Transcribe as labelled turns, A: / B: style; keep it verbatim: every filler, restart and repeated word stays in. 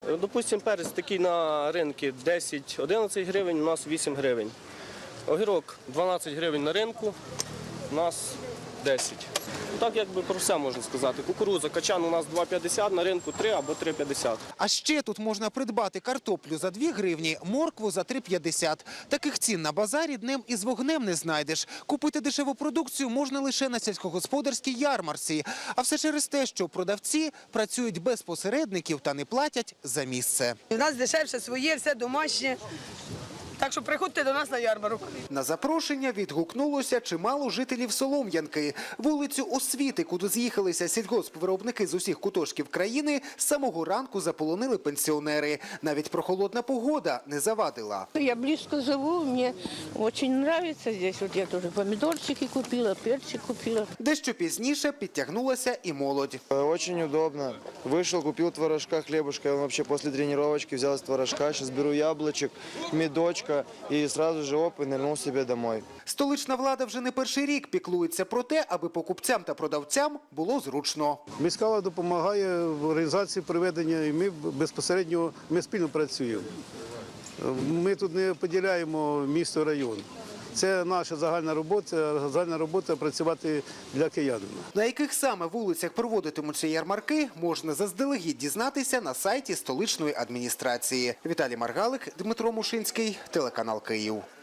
A: Допустимо, перець такий на ринку десять-одинадцять гривень, у нас вісім гривень. Огірок дванадцять гривень на ринку, у нас десять. Так, якби про все можна сказати. Кукурудза, качан у нас два п'ятдесят, на ринку три або три п'ятдесят.
B: А ще тут можна придбати картоплю за дві гривні, моркву за три п'ятдесят. Таких цін на базарі днем із вогнем не знайдеш. Купити дешеву продукцію можна лише на сільськогосподарській ярмарці. А все через те, що продавці працюють без посередників та не платять за місце.
C: У нас дешевше своє, все домашнє. Так що приходьте до нас на ярмарок.
B: На запрошення відгукнулося чимало жителів Солом'янки. Вулицю Освіти, куди з'їхалися сільгоспвиробники з усіх куточків країни, з самого ранку заполонили пенсіонери. Навіть прохолодна погода не завадила.
D: Я близко живу, мне очень нравится здесь. Вот я тоже помидорчики купила, перчик купила.
B: Дещо пізніше підтягнулася і молодь.
E: Очень удобно. Вышел, купил творожка, хлебушка. Я вообще после тренировочки взял с творожка. Сейчас беру яблочек, медочка и сразу же оп, и нырнул себе домой.
B: Столична влада вже не перший рік піклується про те, аби покупцям та продавцям було зручно.
F: Міська влада допомагає в організації проведення, і ми безпосередньо ми спільно працюємо. Ми тут не поділяємо місто, район. Це наша загальна робота, загальна робота працювати для киянина.
B: На яких саме вулицях проводитимуться ярмарки, можна заздалегідь дізнатися на сайті столичної адміністрації. Віталій Маргалик, Дмитро Мушинський, телеканал Київ.